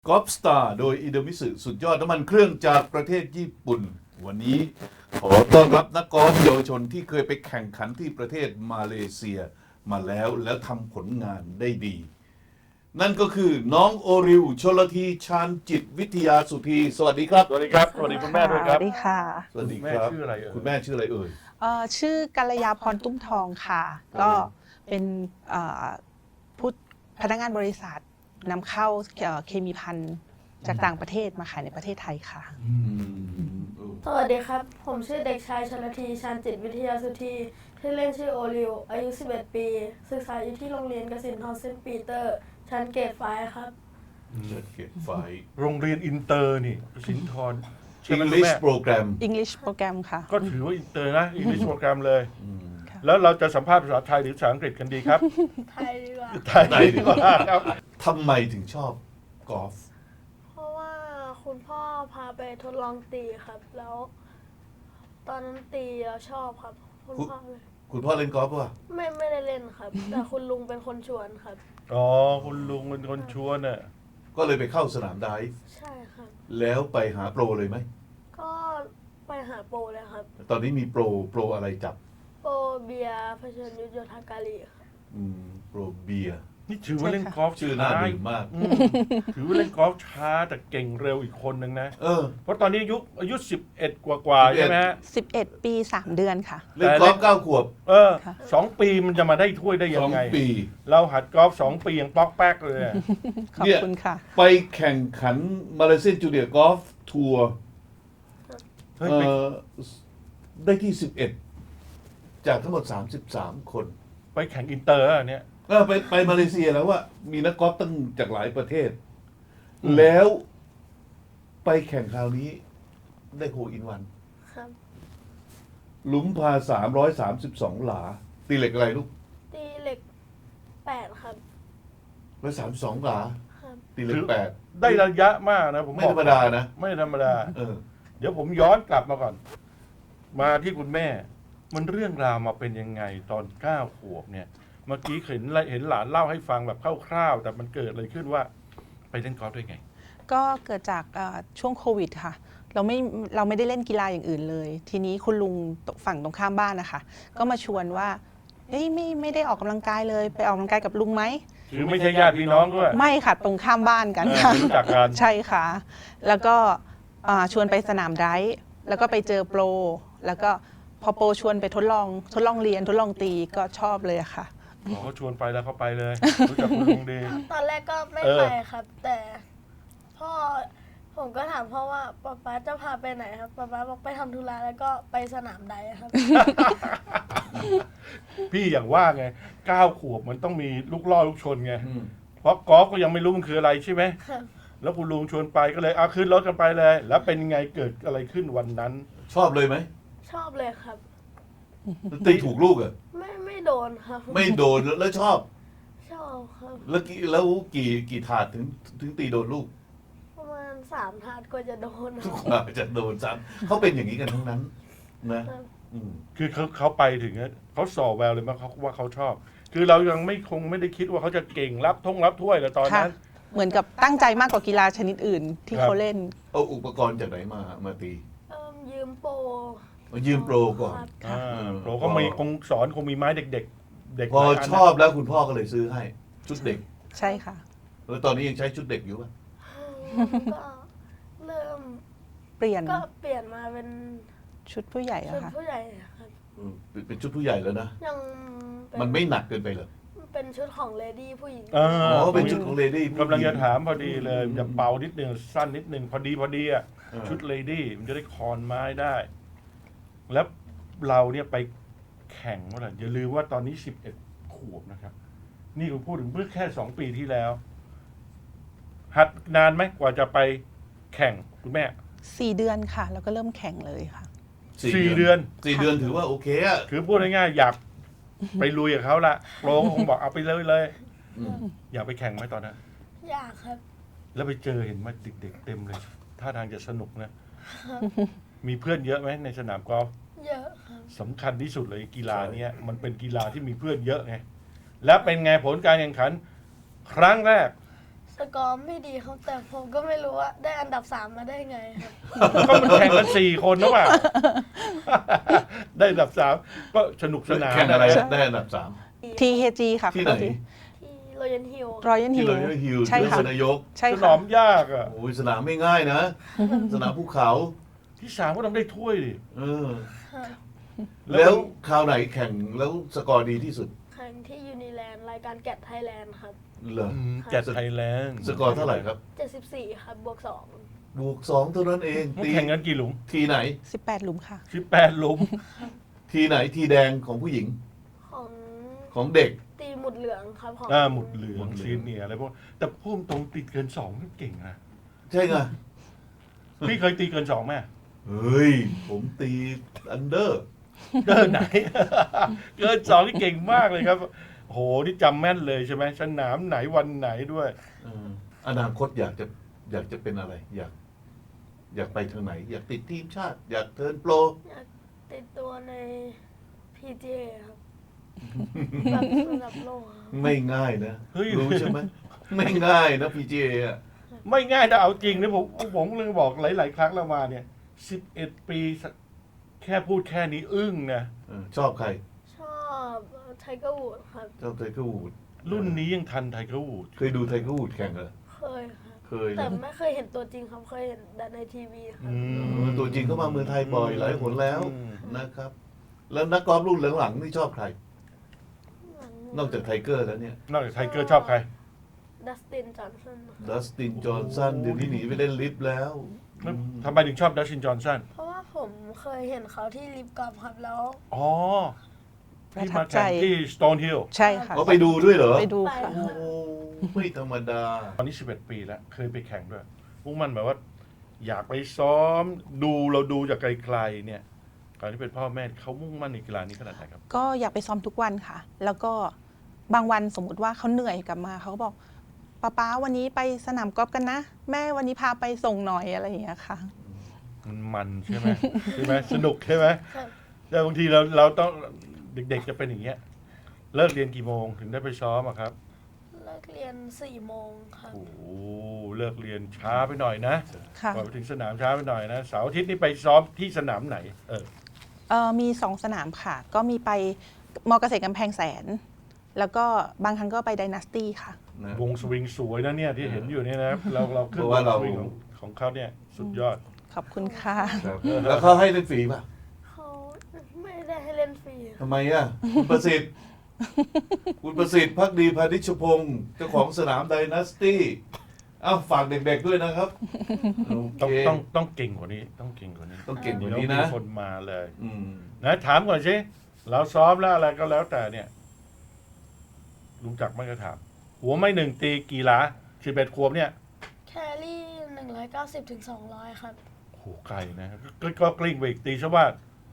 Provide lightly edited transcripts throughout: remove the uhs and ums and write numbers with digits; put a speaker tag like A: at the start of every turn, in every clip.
A: กอล์ฟสตาร์โดยอิโดมิสึสุดยอดน้ำมันเครื่องจากประเทศญี่ปุ่น วันนี้ขอต้อนรับนักกอล์ฟเยาวชนที่เคยไปแข่งขันที่ประเทศมาเลเซียมาแล้วทำผลงานได้ดี นั่นก็คือน้องโอริวชลธีชาญจิตวิทยาสุธีสวัสดีครับ
B: สวัสดีครับ สวัสดีคุณแม่ด้วยครับ
C: สวัสดีค่ะ
A: สวัสดีครับ
B: คุณแม่ชื่ออะไรเอ่ย
A: คุณแม่ชื่ออะไรเอ่ย
C: ชื่อกัลยาพรตุ้มทองค่ะ ก็เป็นผู้พนักงานบริษัทนำเข้าเคมีภัณฑ์จากต่างประเทศมาขายในประเทศไทยค่ะ
D: สวัสดีครับ ผมชื่อเด็กชายชลธีชาญจิตวิทยาสุธีชื่อเล่นชื่อโอริว อายุ 11 ปี ศึกษาอยู่ที่โรงเรียนกสินทรเซนต์ปีเตอร์ ชั้นเกรดไฟว์ครับ
A: เก็บไฟ
B: โรงเรียนอินเตอร์นี่สินทรใช่ไหมคุณ
A: English
B: แม่
A: Program
C: English โปรแกรมค่ะ
B: ก็ถือว่าอินเตอร์นะอิงลิชโปรแกรมเลย
C: ค่ะ
B: แล้วเราจะสัมภาษณ์ภาษาไทยหรือภาษาอังกฤษกันดีครับ
D: ไทยดีกว่า
B: ไทยดีกว่าครับ
A: ทำไมถึงชอบกอล์ฟ
D: เพราะว่าคุณพ่อพาไปทดลองตีครับ แล้ว ตอนนั้นตีแล้วชอบครับ คุณพ่อเลย
A: คุณพ่อเล่นกอล์ฟป่ะ
D: ไม่ได้เล่นครับ แต่คุณลุงเป็นคนชวนครับ
B: อ๋อคุณลุงเป็นคนชวนน่ะ
A: ก็เลยไปเข้าสนามไดฟ์
D: ใช่ครับ
A: แล้วไปหาโปรเลยไหม
D: ก็ไปหาโปรเลยครับ
A: ตอนนี้มีโปรอะไรจับ
D: โปรเบียร์เผชิญยุทธโยธาการีครับ
A: โปรเบียร์
B: นี่ถือว่าเล่นกอล์ฟ
A: ชื่อน่าดื่มมาก
B: ถือว่าเล่นกอล์ฟช้าแต่เก่งเร็วอีกคนนึงนะ
A: เออ
B: เพราะตอนนี้อายุ11 กว่าๆใช่ไหมฮะ
C: 11 ปี 3 เดือนค่ะ
A: เล่นกอล์ฟ9 ขวบ
C: ค่ะ
B: 2 ปีมันจะมาได้ถ้วยได้ยังไง
A: 2 ปี
B: เราหัดกอล์ฟ2 ปียังป๊อกแป๊กเลยอะ
C: ขอบคุณค่ะ
A: ไปแข่งขันมาเลเซียนจูเนียร์กอล์ฟทัวร์
B: เฮ้ย
A: เอ่
B: ไป
A: อได้ที่ 11 จากทั้งหมด 33 คน
B: ไปแข่งอินเตอร์อะเนี่ย
A: ไปมาเลเซียแล้วว่ามีนักกอล์ฟตั้งจากหลายประเทศ แล้วไปแข่งคราวนี้ได้โฮอินวัน
D: ครับ
A: หลุมพา 332 หลา ตีเหล็กอะไรลูก
D: ตีเหล็ก 8 ครับ
A: 132 หลา
D: ครับ
A: ตีเหล็ก
B: ได้ระยะมากนะผม
A: 8 ไม่
B: บอ
A: ธ
B: ก
A: รรมดานะ
B: ไม่ธรรมดา
A: เออ
B: เดี๋ยวผมย้อนกลับมาก่อน มาที่คุณแม่ มันเรื่องราวมาเป็นยังไงตอน9 ขวบเนี่ย เมื่อกี้เห็นหลานเล่าให้ฟังแบบคร่าวๆ แต่มันเกิดอะไรขึ้นว่า ไปเล่นกอล์ฟได้ไง
C: ก็เกิดจากช่วงโควิดค่ะ เราไม่ได้เล่นกีฬาอย่างอื่นเลย ทีนี้คุณลุงฝั่งตรงข้ามบ้านนะคะ ก็มาชวนว่าเอ้ยไม่ได้ออกกำลังกายเลย ไปออกกำลังกายกับลุงไหม
B: หรือไม่ใช่ญาติพี่น้องด้วย
C: ไม่ค่ะ ตรงข้ามบ้านกันค่ะ
B: รู้จักกัน
C: ใช่ค่ะ แล้วก็ชวนไปสนามไดฟ์แล้วก็ไปเจอโปร แล้วก็พอโปรชวนไปทดลองเรียนทดลองตีก็ชอบเลยอะค่ะ
B: อ๋อเขาชวนไปแล้วเขาไปเลย รู้จักคุณลุงดี
D: ตอนแรกก็ไม่
B: เออ
D: ไปครับ แต่พ่อผมก็ถามพ่อว่าป๊าจะพาไปไหนครับป๊าบอกไปทำธุระแล้วก็ไปสนามใดครับ
B: พี่อย่างว่าไง9 ขวบมันต้องมีลูกล่อลูกชนไง
A: อืม
B: เพราะกอล์ฟก็ยังไม่รู้มันคืออะไรใช่ไหม
D: ครับ
B: แล้วคุณลุงชวนไปก็เลยเอาขึ้นรถกันไปเลย แล้วเป็นไงเกิดอะไรขึ้นวันนั้น
A: ชอบเลยไหม
D: ชอบเลยครับ
A: ตีถูกลูกเหรอ่ะ
D: ไม่โดนครับ
A: ไม่โดนแล้วชอบ
D: ชอบครับ
A: แล้วกี่ถาดถึงตีโดนลูก
D: ประมาณ3 ถาดกว่าจะโดนค
A: ทุ
D: รั
A: ก
D: บ
A: คนอาจจะโดนซ้ำเขาเป็นอย่างนี้กันทั้งนั้นนะครับ อืม
B: คือเขาไปถึงอะเขาส่อแววเลยมั้งเขาว่าเขาชอบ คือเรายังไม่ได้คิดว่าเขาจะเก่งรับถ้วยแต่ตอน
C: ค่ะ
B: นั้น
C: เหมือนกับตั้งใจมากกว่ากีฬาชนิดอื่นที่
B: ครับ
C: เขาเล่น
A: เอาอุปกรณ์จากไหนมาตี
D: ยืมโปร
A: มายืมโปรก่อน
D: ครับ
C: ค่ะ
B: โปรก็มีคงสอนคงมีไม้เด็กๆ เด็ก
A: พอ
B: หลายน
A: ชอบแล้วคุณพ่อก็เลยซื้อให้ ชุดเด็ก
C: ใช่ค่ะ
A: แล้วตอนนี้ยังใช้ชุดเด็กอยู่ป่ะ
D: ก็เริ่ม
C: เปลี่ยน
D: ก็เปลี่ยนมาเป็น
C: ชุดผู้ใหญ่
D: ชุ
C: อะ
D: ด
C: ค่ะ
D: ผู้ใหญ่ครับ
A: เป็นชุดผู้ใหญ่แล้วนะ
D: ยังเป็
A: มันไม่หนักเกินไปเหรอ
D: เป็นชุดของเลดี้ผู้หญิง
B: อ๋
A: อ๋อเป็นชุดของเลดี้
B: กำลังจะถามพอดีเลยจะเป่านิดนึงสั้นนิดนึงพอดีอ่ะ
A: เออ
B: ชุดเลดี้มันจะได้คอนไม้ได้ แล้วเราเนี่ยไปแข่งเมื่อไหร่อย่าลืมว่าตอนนี้11 ขวบนะครับ นี่ผมพูดถึงเมื่อแค่2 ปีที่แล้ว หัดนานไหมกว่าจะไปแข่งคุณแม่
C: 4 เดือนค่ะ แล้วก็เริ่มแข่งเลยค่ะ
B: 4 เดือน
A: 4 เดือนถือว่าโอเคอ่ะ
B: คือพูดง่ายๆอยากไปลุยกับเขาละโปรก็คงบอกเอาไปเลย
A: อืม
B: อยากไปแข่งไหมตอนนั้น
D: อยากครับ
B: แล้วไปเจอเห็นมาเด็กๆเต็มเลยท่าทางจะสนุกนะ มีเพื่อนเยอะไหมในสนามกอล์ฟ
D: เยอะครับ
B: สำคัญที่สุดเลยกีฬาเนี้ยมันเป็นกีฬาที่มีเพื่อนเยอะไง แล้วเป็นไงผลการแข่งขัน ครั้งแรก
D: ชสกอร์ไม่ดีครับแต่ผมก็ไม่รู้ว่าได้อันดับ 3 มาได้ไงครับ
B: ก็มันแข่งกัน4 คนนะว่า ได้อันดับ 3 ก็สนุกสนาน
A: แข่งอะไรได้อันดับ
C: TKG ค่ะ
A: ที่ไหน
D: ที่โรยันฮิล
C: Royal
A: ที่
C: Hill
A: เราเรียกฮิล
C: ใช่
A: ที่
C: ค่ะ
A: สนายก
C: ใช่
B: สน
C: ค่ะ
B: ามยากอ่ะ
A: โอ้ยสนามไม่ง่ายนะ สนามภูเขา
B: ที่ 3 ก็ต้องได้ถ้วยดิ
A: เออ แล้วคราวไหนแข่งแล้วสกอร์ดีที่สุด
D: แข่งที่ยูนิแลนด์รายการแกดไทยแลนด์ครับ
A: เหรอ
B: แกดไทยแลนด์
A: สกอร์เท่าไหร่ครับ
D: 74 ครับบวก
A: บวก2เท่านั้นเอง
B: มันแข่งกันกี่หลุม
A: ทีไหน
C: 18 หลุมค่ะ
B: 18 หลุม
A: ทีไหนทีแดงของผู้หญิง
D: 2 ของ
A: ของเด็ก
D: ตีหมุดเหลืองครับของ
B: หมุดเหลืองซีเนียร์อะไรพวกแต่พุ่มตรงติดเกิน2นี่เก่งนะ
A: ใช่ไง
B: พี่เคยตีเกิน2ไหม
A: เฮ้ย ผมตีอันเดอร์
B: เกินไหน เกิน2นี่เก่งมากเลยครับโหนี่จำแม่นเลยใช่ไหมสนามไหนวันไหนด้วย
A: อนาคตอยากจะเป็นอะไร อยากไปทางไหน อยากติดทีมชาติ อยากเทิร์นโปร
D: อยากติดตัวใน PGA ครับแบบระดับโลกครับ
A: ไม่ง่ายนะ
B: เฮ้ย
A: รู้ใช่ไหมไม่ง่ายนะ PGA อ่ะ
B: ไม่ง่ายนะเอาจริงนะผมเลยบอกหลาย ๆ ครั้งแล้วมาเนี่ย11 ปีแค่พูดแค่นี้อึ้งนะ
A: ชอบใคร
D: ชอบไทเกอร์วูดครับ
A: ชอบไทเกอร์วูด
B: รุ่นนี้ยังทันไทเกอร์วูด
A: เคยดูไทเกอร์วูดแข่งเหรอ
D: เคยครับ
A: เคย
D: แต่
A: นะ
D: ไม่เคยเห็นตัวจริงครับเคยเห็นแต่ในทีวีครับ
A: ตัวจริงเขามาเมืองไทยบ่อยหลายหนแล้วนะครับ แล้วนักกอล์ฟรุ่นหลังๆนี่ชอบใคร นอกจากไทเกอร์แล้วเนี่ย
B: นอกจากไทเกอร์ชอบใคร
D: ดัสตินจอห์นสันครับ
A: ดัสตินจอห์นสันเดี๋ยวนี้หนีไปเล่นลิฟต์แล้ว
B: ทำไมถึงชอบดัชชินจอห์นสัน
D: เพราะว่าผมเคยเห็นเขาที่ลิฟต์กอล์ฟครับแล้ว
B: อ๋อ
C: ประ
B: ที่
C: ทั
B: มา
C: บใจ
B: แข่งที่สโตนฮิลล์
C: ใช่ค่ะ
A: เขาไปดูด้วยเหรอ
C: ไปดู
D: ไป
C: ค่ะ
A: โอ้ไม่ธรรมดา
B: ตอนนี้11 ปีแล้ว เคยไปแข่งด้วยมุ่งมั่นแบบว่า อยากไปซ้อมเราดูจากไกลๆเนี่ยตอนที่เป็นพ่อแม่เขามุ่งมั่นในกีฬานี้ขนาดไหนครับ
C: ก็อยากไปซ้อมทุกวันค่ะ แล้วก็บางวันสมมุติว่าเขาเหนื่อยกลับมาเขาก็บอกป๊าวันนี้ไปสนามกอล์ฟกันนะ แม่วันนี้พาไปส่งหน่อยอะไรอย่างเงี้ยค่ะ
B: มันใช่ไหม ใช่ไหมสนุกใช่ไหม
D: ครับ
B: แต่บางทีเราต้องเด็กๆจะเป็นอย่างเงี้ยเลิกเรียนกี่โมงถึงได้ไปซ้อมอะครับ
D: เลิกเรียน4 โมงครับ
B: โอ้โหเลิกเรียนช้าไปหน่อยนะ
C: ค่ะ
B: ก่อนไปถึงสนามช้าไปหน่อยนะเสาร์อาทิตย์นี่ไปซ้อมที่สนามไหน
C: มี2 สนามค่ะ ก็มีไปมอเกษตรกำแพงแสน แล้วก็บางครั้งก็ไปไดนาสตี้ค่ะ
A: นะ
B: วงสวิงสวยนะเนี่ยที่เห็นอยู่เนี่ยนะเราขึ้น
A: เพราะ
B: ว
A: ว่าง เรา
B: สวิงของเขาเนี่ยสุดยอด
C: ขอบคุณค่ะ
A: ครับแล้วเขาให้เล่นฟรีป่ะ
D: เขาไม่ได้ให้เล่นฟรีครับ
A: ทำไมอ่ะ คุณประสิทธิ์ คุณประสิทธิ์พักดีพานิชพงศ์เจ้าของสนามไดนาสตี้อ้าวฝากเด็กๆด้วยนะครับโอ
B: ต้อง
A: เค
B: ต้องเก่งกว่านี้ต้องเก่งกว่านี้
A: ต้องเก่งกว่า
B: เดี๋ยว
A: นี้
B: มี
A: นะ
B: คนมาเลย
A: อืม
B: นะถามก่อนสิเราซ้อมแล้วอะไรก็แล้วแต่เนี่ยรู้จักไหม่ก็ถาม หัวไม่หนึ่งตีกี่หลา11 ขวบเนี่ย
D: แครี่190 ถึง 200 ครับ
B: โอ้โหไกลนะก็กลิ้งไปอีกตีซะว่า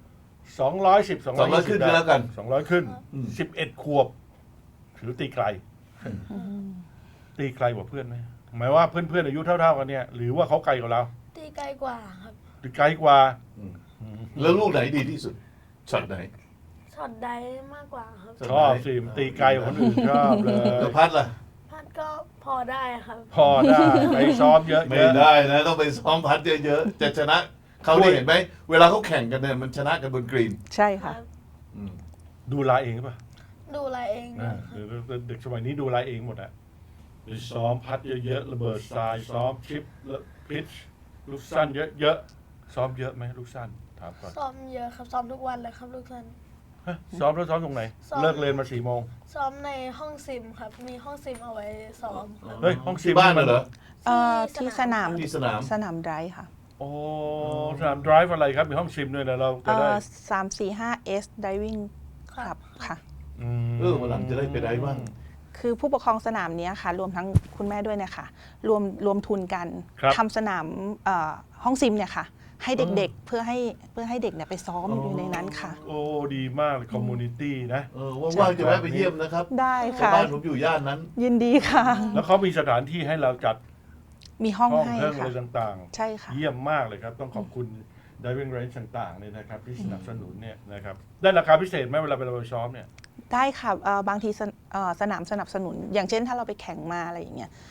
B: 210
A: 200ขึ้นก็แล้วกัน
B: 200 ขึ้น
A: อืม
B: 11 ขวบ ถือตีไกล ตีไกลกว่าเพื่อนไหมหมายว่าเพื่อนๆอายุเท่าๆกันเนี่ย หรือว่าเขาไกลกว่าเรา
D: ตีไกลกว่าครับ
B: ตีไกลกว่า
A: แล้วลูกไหนดีที่สุดช็อตไหน
D: ช็อตได้มากกว่าครับ
B: ชอบสิมันตีไกลกว่าคนอื่นชอบเลย
A: แล้วพัดล่ะ
D: พัดก็พอได้ครับ
B: พอได้ไปซ้อมเยอะๆ
A: ไม่ได้นะ ต้องไปซ้อมพัดเยอะๆจะชนะเขาได้เห็นไหมเวลาเขาแข่งกันเนี่ยมันชนะกันบนกรีน
C: ใช่ค่ะ
A: อืม
B: ดูลายเองป่ะ
D: ดูแลเองด้วยครับ
B: เด็กสมัยนี้ดูลายเองหมดอะไปซ้อมพัดเยอะๆระเบิดทรายซ้อมชิปแล้วพิชลูกสั้นเยอะๆซ้อมเยอะไหมลูกสั้นถามก่อน
D: ซ้อมเยอะครับ ซ้อมทุกวันเลยครับลูกท่าน
B: ฮะซ้อมแล้วซ้อมตรงไหน
D: ซ้อม
B: เลิกเรียนมา4 โมง
D: ซ้อมในห้องซิมครับ มีห้องซิมเอาไว้ซ้อมครับ
B: เฮ้ยห้องซิ
A: ที่
B: ม
A: บ้านน่ะเหรอ
C: ที่สนาม
A: ที่สนาม
C: สนามไดรฟ์ค่ะ
B: โอ้สนามดรฟ์อะไรครับมีห้องซิมด้วยนะเราจะได้
C: 345S Diving
D: ครับ
C: Club ค่ะ
A: วันหลังจะได้ไปได้บ้าง
C: คือผู้ปกครองสนามเนี้ยค่ะ รวมทั้งคุณแม่ด้วยเนี่ยค่ะรวมทุนกัน
B: ครับ
C: ทำสนามห้องซิมเนี่ยค่ะ ให้เด็กๆเพื่อให้เด็กเนี่ยไปซ้อมอยู่ในนั้นค่ะ
B: โอ้ดีมากเลยคอมมูนิตี้นะ
A: ว่างๆจะแวะไปเยี่ยมนะครับ
C: ได้
A: เพราะ
C: ค่ะ
A: บ้านผมอยู่ย่านนั้น
C: ยินดีค่ะ
B: แล้วเขามีสถานที่ให้เราจัด
C: มีห้อง
B: ห้อง
C: ให้
B: เครื่องอะ
C: ค่ะ
B: ไรต่าง
C: ใช่ค่ะ
B: ๆ เยี่ยมมากเลยครับ ต้องขอบคุณ Diving Range ต่างๆเนี่ยนะครับที่สนับสนุนเนี่ยนะครับได้ราคาพิเศษไหมเวลาไปเราไปซ้อมเนี่ย
C: ได้ค่ะบางทีสนามสนับสนุน อย่างเช่นถ้าเราไปแข่งมาอะไรอย่างเงี้ย
B: ครับ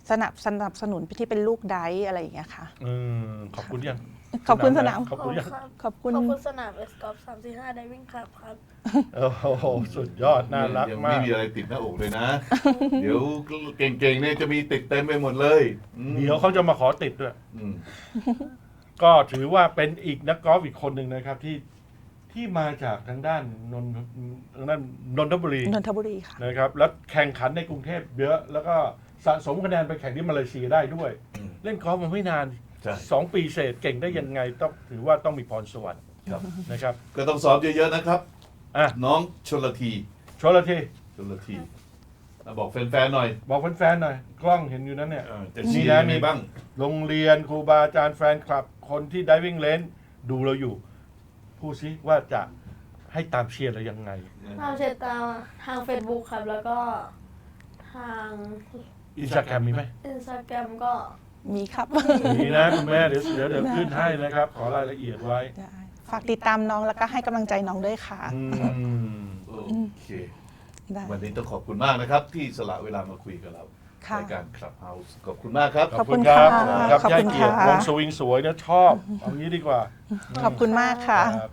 C: สนับสนุนที่เป็นลูกไดฟ์อะไรอย่างเงี้ยค่ะ
B: ขอบคุณยัง
C: ขอบคุณสนาม
B: ขอบคุณยัง
D: ครับ
C: ขอบคุณ
D: ขอบคุณสนามเอสกอล์ฟ345 Diving Club ครับ
B: โอ้โหสุดยอดน่ารัก
A: ยัง
B: มา
A: ไม่
B: ก
A: มีอะไรติดหน้าอกเลยนะ เดี๋ยวเก่งๆเนี่ยจะมีติดเต็มไปหมดเลยอืม
B: เดี๋ยวเขาจะมาขอติดด้วย
A: อืม
B: ก็ถือว่าเป็นอีกนักกอล์ฟอีกคนหนึ่งนะครับที่มาจากทางด้านนนทบุรี
C: นนทบุรีค่ะ
B: นะครับแล้วแข่งขันในกรุงเทพเยอะแล้วก็สะสมคะแนนไปแข่งที่มาเลเซียได้ด้วย
A: อืม
B: เล่นกอล์ฟมาไม่นาน
A: ใช่
B: 2 ปีเศษเก่งได้ยังไงต้องถือว่าต้องมีพรสวรรค์
A: ครับ
B: นะครับ
A: ก็ต้องซ้อมเยอะๆนะครับ
B: อ่ะ
A: น้องชลที
B: ชลที
A: ชลทีบอกแฟนๆหน่อย
B: บอกแฟนๆหน่อยกล้องเห็นอยู่นั้นเนี่ย
A: จะเชียร์
B: มีนะ
A: ยังไงบ้าง
B: โรงเรียนครูบาอาจารย์แฟนคลับ คนที่ Diving Range ดูเราอยู่ พูดซิว่าจะให้ตามเชียร์เรายังไง
D: ตามเชียร์ตามทาง Facebook ครับ แล้วก็ทาง
B: อินสตาแกรมมีไหม
D: Instagram ก็
C: มีครับ
B: มีนะคุณแม่เดี๋ยวขึ้นให้นะครับ ขอรายละเอียดไว้
C: ได้ฝากติดตามน้องแล้วก็ให้กำลังใจน้องด้วยค่ะ
B: อืม
A: โอเค
C: ได้
A: วันนี้ต้องขอบคุณมากนะครับ ที่สละเวลามาคุยกับเรา
C: ค่ะ
A: รายการ Clubhouse ขอบคุณมากครับ
C: ขอบคุณค่ะ
B: ครับ
C: ขอบ
B: ย่า
C: คุณ
B: เกียรติ
C: ค่ะ
B: วงสวิงสวยนะชอบเอางี้ดีกว่า
C: ขอบคุณมากค่ะ
B: ครับ